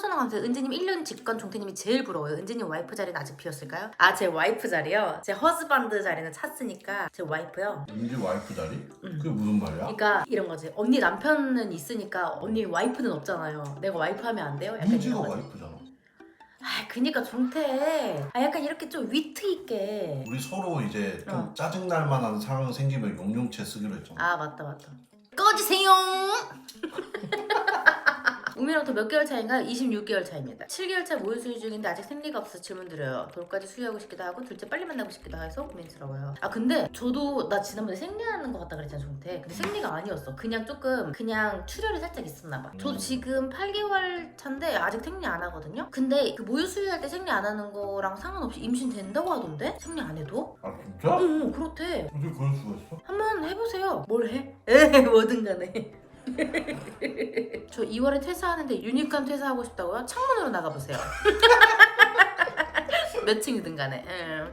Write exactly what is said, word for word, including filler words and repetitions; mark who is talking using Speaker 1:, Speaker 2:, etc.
Speaker 1: 생각하면서 은지님 일 년 직관 종태님이 제일 부러워요. 은지님 와이프 자리는 아직 비었을까요? 아, 제 와이프 자리요? 제 허스반드 자리는 찼으니까 제 와이프요.
Speaker 2: 은지 와이프 자리?
Speaker 1: 응.
Speaker 2: 그게 무슨 말이야?
Speaker 1: 그러니까 이런 거지. 언니 남편은 있으니까 언니 와이프는 없잖아요. 내가 와이프 하면 안 돼요? 약간
Speaker 2: 은지가
Speaker 1: 이런 거지.
Speaker 2: 와이프잖아.
Speaker 1: 아, 그니까 종태. 아, 약간 이렇게 좀 위트 있게.
Speaker 2: 우리 서로 이제 좀
Speaker 1: 어.
Speaker 2: 짜증날 만한 상황 생기면 용용체 쓰기로 했잖아.
Speaker 1: 아, 맞다 맞다. 꺼지세요. 우미랑 더 몇 개월 차인가요? 이십육 개월 차입니다. 칠 개월 차 모유 수유 중인데 아직 생리가 없어서 질문 드려요. 돌까지 수유하고 싶기도 하고 둘째 빨리 만나고 싶기도 해서 고민스러워요. 아, 근데 저도 나 지난번에 생리하는 것 같다 그랬잖아, 종태. 근데 생리가 아니었어. 그냥 조금 그냥 출혈이 살짝 있었나 봐. 저도
Speaker 2: 음.
Speaker 1: 지금 팔 개월 차인데 아직 생리 안 하거든요. 근데 그 모유 수유할 때 생리 안 하는 거랑 상관없이 임신 된다고 하던데? 생리 안 해도?
Speaker 2: 아 진짜?
Speaker 1: 응, 응, 그렇대.
Speaker 2: 어떻게 그럴 수가 있어?
Speaker 1: 한번 해보세요. 뭘 해? 에, 뭐든 간에. 저 이월에 퇴사하는데 유니콘 퇴사하고 싶다고요? 창문으로 나가보세요. 몇 층이든 간에. 응.